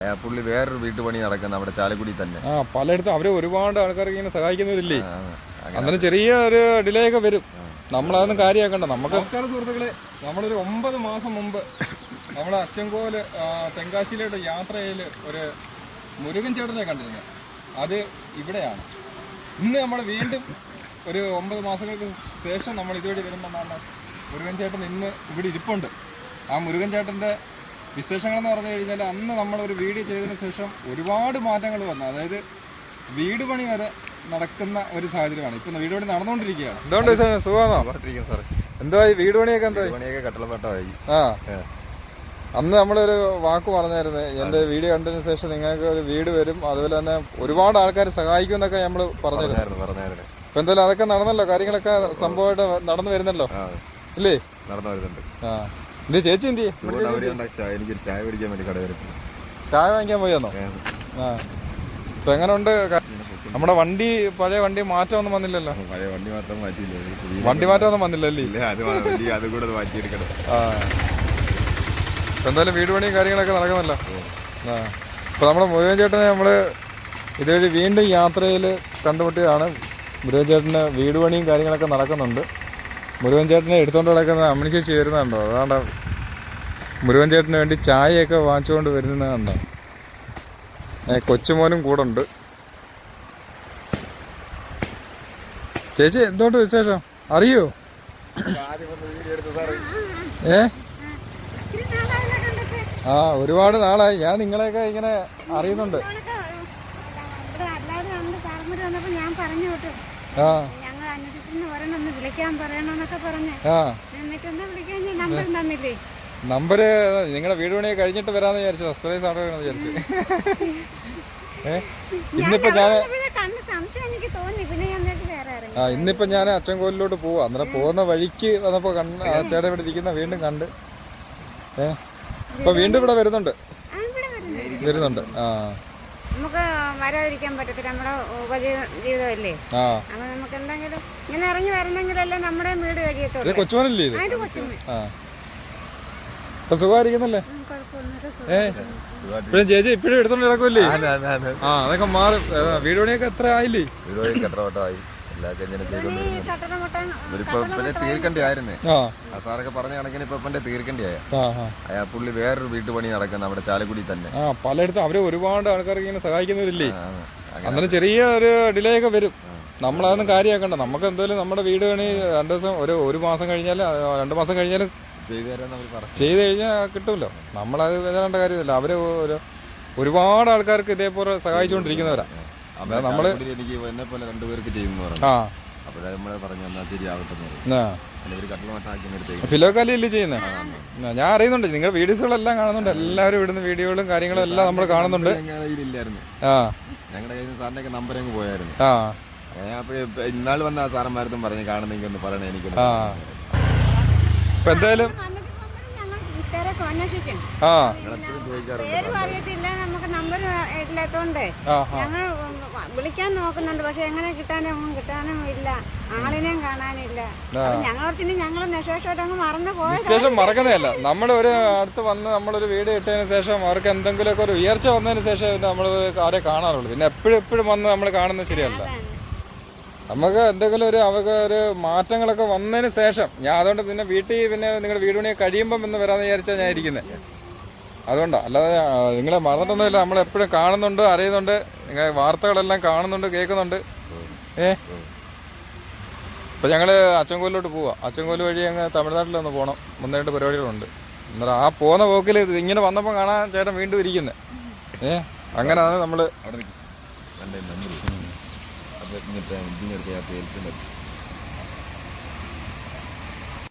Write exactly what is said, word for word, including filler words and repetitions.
പുള്ളി വേറൊരു വീട്ടുപണി നടക്കുന്ന അവിടെ ചാലക്കുടി തന്നെ. ആ പലയിടത്തും അവര് ഒരുപാട് ആൾക്കാർക്ക് ഇങ്ങനെ സഹായിക്കുന്നവരില്ലേ. അങ്ങനെ ചെറിയ ഒരു ഡിലേ ഒക്കെ വരും. നമ്മളതൊന്നും കാര്യമാക്കണ്ട. നമുക്ക് നമസ്കാരം സുഹൃത്തുക്കളെ, നമ്മളൊരു ഒമ്പത് മാസം മുമ്പ് നമ്മളെ അച്ചൻകോല് തെങ്കാശിയിലോട്ട് യാത്രയിൽ ഒരു മുരുകൻ ചേട്ടനെ കണ്ടിരുന്നു. അത് ഇവിടെയാണ്. ഇന്ന് നമ്മൾ വീണ്ടും ഒരു ഒമ്പത് മാസങ്ങൾക്ക് ശേഷം നമ്മൾ ഇതുവഴി വരുമ്പോഴാണ് മുരുകൻ ചേട്ടൻ ഇന്ന് ഇവിടെ ഇരിപ്പുണ്ട്. ആ മുരുകൻ ചേട്ടൻ്റെ വിശേഷങ്ങളെന്ന് പറഞ്ഞു കഴിഞ്ഞാൽ അന്ന് നമ്മളൊരു വീഡിയോ ചെയ്തതിന് ശേഷം ഒരുപാട് മാറ്റങ്ങൾ വന്നു. അതായത് വീട് പണി വരെ നടക്കുന്ന ഒരു സാഹചര്യമാണ്. ഇപ്പം വീട് പണി നടന്നുകൊണ്ടിരിക്കുകയാണ്. എന്തുകൊണ്ട് സുഖമാണോ? സാറേ എന്തായി വീട് പണിയൊക്കെ? എന്താ പണിയൊക്കെ കട്ടളപ്പാട്ടമായി. ആ അന്ന് നമ്മളൊരു വാക്ക് പറഞ്ഞായിരുന്നു, എൻ്റെ വീഡിയോ കണ്ടതിന് ശേഷം നിങ്ങൾക്ക് ഒരു വീട് വരും, അതുപോലെ തന്നെ ഒരുപാട് ആൾക്കാർ സഹായിക്കും എന്നൊക്കെ നമ്മൾ പറഞ്ഞിരുന്നു പറഞ്ഞായിരുന്നു ഇപ്പം എന്തായാലും അതൊക്കെ നടന്നല്ലോ. കാര്യങ്ങളൊക്കെ സംഭവമായിട്ട് നടന്നു വരുന്നല്ലോ ഇല്ലേ? നടന്നു വരുന്നുണ്ട്. ആ എന്ത് ചേച്ചി എന്ത് എനിക്കൊരു ചായ പിടിക്കാൻ വേണ്ടി കട വരും. ചായ വാങ്ങിക്കാൻ പോയെന്നോ? ആ ഇപ്പം എങ്ങനെയുണ്ട് നമ്മുടെ വണ്ടി? പഴയ വണ്ടി മാറ്റമൊന്നും വന്നില്ലല്ലോ. പഴയ വണ്ടി മാറ്റം മാറ്റിയില്ല. വണ്ടി മാറ്റമൊന്നും വന്നില്ലല്ലേ? അത് കൂടെ മാറ്റിയെടുക്കണം. ആ ഇപ്പം എന്തായാലും വീട് പണിയും കാര്യങ്ങളൊക്കെ നടക്കുന്നല്ലോ. ആ ഇപ്പം നമ്മുടെ മുരുകൻ ചേട്ടനെ നമ്മൾ ഇതുവഴി വീണ്ടും യാത്രയിൽ കണ്ടുമുട്ടിയതാണ്. മുരുകൻ ചേട്ടന് വീട് പണിയും കാര്യങ്ങളൊക്കെ നടക്കുന്നുണ്ട്. മുരുകൻ ചേട്ടനെ എടുത്തുകൊണ്ട് കിടക്കുന്ന അമ്മണി ചേച്ചി വരുന്നുണ്ടോ? അതാണ്ട് മുരുകൻ ചേട്ടന് വേണ്ടി ചായയൊക്കെ വാങ്ങിച്ചുകൊണ്ട് വരുന്നതുണ്ടോ? കൊച്ചുമോനും കൂടെ ഉണ്ട്. ചേച്ചി എന്തുകൊണ്ട് വിശേഷം അറിയോ? ഏ ആ ഒരുപാട് നാളായി. ഞാൻ നിങ്ങളെയൊക്കെ ഇങ്ങനെ അറിയുന്നുണ്ട്. ആ നമ്പര് നിങ്ങളുടെ വീട് പണിയെ കഴിഞ്ഞിട്ട് വരാന്ന് വിചാരിച്ചു. സർപ്രൈസ് ആണോ വിചാരിച്ചു. ഏഹ് ഇന്നിപ്പോ ഞാൻ ആ ഇന്നിപ്പോ ഞാൻ അച്ചൻകോലിലോട്ട് പോവാ. അന്നേരം പോകുന്ന വഴിക്ക് വന്നപ്പോ കണ്ട് ആ ചേട്ടൻ ഇവിടെ ഇരിക്കുന്ന വീണ്ടും കണ്ട്. ഏഹ് ഇപ്പൊ വീണ്ടും ഇവിടെ വരുന്നുണ്ട് വരുന്നുണ്ട് ആ നമുക്ക് വരാതിരിക്കാൻ പറ്റത്തില്ല. നമ്മുടെ ഉപജീവിതമല്ലേ. അപ്പൊ നമുക്ക് എന്തെങ്കിലും ഇങ്ങനെ ഇറങ്ങി വരണമെങ്കിലല്ലേ നമ്മുടെ വീട് കഴിയത്തുള്ളൂ. കൊച്ചുമോനല്ലേ ഇത്? ആ ഇപ്പൊ സുഖമായിരിക്കുന്നല്ലേ? ഏ ഇപ്പഴും ചേച്ചി ഇപ്പഴും എടുത്തോണ്ട് കിടക്കുമല്ലേ? ആ അതൊക്കെ മാറും. വീട് പണിയൊക്കെ എത്ര ആയില്ലേ? വീട് പണി കട്ടളപ്പാട്ടമായി. തീർക്കണ്ടായിരുന്നു. ആ സാറൊക്കെ പറഞ്ഞ കണക്കിന് ഇപ്പൊ തീർക്കണ്ടായ അയാ പുള്ളി വേറൊരു വീട്ടുപണി നടക്കുന്ന അവിടെ ചാലക്കുടി തന്നെ. ആ പലയിടത്തും അവര് ഒരുപാട് ആൾക്കാർക്ക് ഇങ്ങനെ സഹായിക്കുന്നവരില്ലേ. അന്നേരം ചെറിയ ഒരു ഡിലേ ഒക്കെ വരും. നമ്മളതൊന്നും കാര്യമാക്കണ്ട. നമുക്ക് എന്തായാലും നമ്മുടെ വീട് പണി രണ്ടു ദിവസം ഒരു ഒരു മാസം കഴിഞ്ഞാൽ രണ്ടു മാസം കഴിഞ്ഞാൽ ചെയ്ത് കഴിഞ്ഞാൽ കിട്ടുമല്ലോ. നമ്മളത് വേണ്ട കാര്യമില്ല. അവര് ഒരുപാട് ആൾക്കാർക്ക് ഇതേപോലെ സഹായിച്ചുകൊണ്ടിരിക്കുന്നവരാ. നമ്മള് എനിക്ക് എന്നെ പോലെ രണ്ടുപേർക്ക് ചെയ്യുന്നു പറഞ്ഞു. ആ അപ്പോഴേ നമ്മള് പറഞ്ഞു എന്നാ ശരിയാവട്ടെ. ഫിലോക്കാലിയല്ലേ ചെയ്യുന്നത്? ഞാൻ അറിയുന്നുണ്ട്. നിങ്ങളുടെ വീഡിയോസുകളെല്ലാം കാണുന്നുണ്ട്. എല്ലാവരും ഇവിടുന്ന് വീഡിയോകളും കാര്യങ്ങളും എല്ലാം നമ്മൾ കാണുന്നുണ്ട്. ആ ഞങ്ങളുടെ കയ്യിൽ നിന്ന് സാറിന്റെ ഒക്കെ നമ്പർ അങ്ങ് പോയായിരുന്നു. ആ അപ്പോഴേ ഇന്നാൾ വന്ന ആ സാറന്മാരത്തും പറഞ്ഞ് കാണുന്നെങ്കിൽ ഒന്ന് പറയണേ എനിക്ക്. ആ ഇപ്പൊ എന്തായാലും ആ പേരും അറിയത്തില്ല, നമുക്ക് നമ്പർ ഇല്ലാത്തോണ്ട് ഞങ്ങൾ വിളിക്കാൻ നോക്കുന്നുണ്ട്. പക്ഷെ എങ്ങനെ കിട്ടാനും കിട്ടാനും ഇല്ല, ആളിനെയും കാണാനില്ല. ഞങ്ങളത്തിന് ഞങ്ങൾ നിശേഷമായിട്ട് അങ്ങ് മറന്നു പോയ വിശേഷം മറക്കുന്നതല്ല. നമ്മൾ ഒരു അടുത്ത് വന്ന് നമ്മളൊരു വീഡിയോ ഇട്ടതിന് ശേഷം അവർക്ക് എന്തെങ്കിലുമൊക്കെ ഒരു ഉയർച്ച വന്നതിന് ശേഷം നമ്മൾ ആരെ കാണാറുള്ളൂ. പിന്നെ എപ്പോഴും എപ്പോഴും വന്ന് നമ്മൾ കാണുന്നത് ശരിയല്ല. നമുക്ക് എന്തെങ്കിലും ഒരു അവർക്ക് ഒരു മാറ്റങ്ങളൊക്കെ വന്നതിന് ശേഷം ഞാൻ അതുകൊണ്ട് പിന്നെ വീട്ടിൽ പിന്നെ നിങ്ങളുടെ വീട് പണിയെ കഴിയുമ്പം എന്ന് വരാമെന്ന് വിചാരിച്ചാൽ ഞാൻ ഇരിക്കുന്നത്. അതുകൊണ്ടാണ്, അല്ലാതെ നിങ്ങളെ മറന്നിട്ടൊന്നുമില്ല. നമ്മളെപ്പോഴും കാണുന്നുണ്ട്, അറിയുന്നുണ്ട്, നിങ്ങൾ വാർത്തകളെല്ലാം കാണുന്നുണ്ട്, കേൾക്കുന്നുണ്ട്. ഏ ഇപ്പം ഞങ്ങൾ അച്ചൻകോലിലോട്ട് പോവാം. അച്ചൻകോല് വഴി അങ്ങ് തമിഴ്നാട്ടിലൊന്ന് പോകണം. ഒന്ന് രണ്ട് പരിപാടികളുണ്ട്. അന്നേരം ആ പോകുന്ന പോക്കിൽ ഇങ്ങനെ വന്നപ്പോൾ കാണാൻ ചേട്ടൻ വീണ്ടും ഇരിക്കുന്നത്. ഏ അങ്ങനെയാണ് നമ്മൾ അവിടെ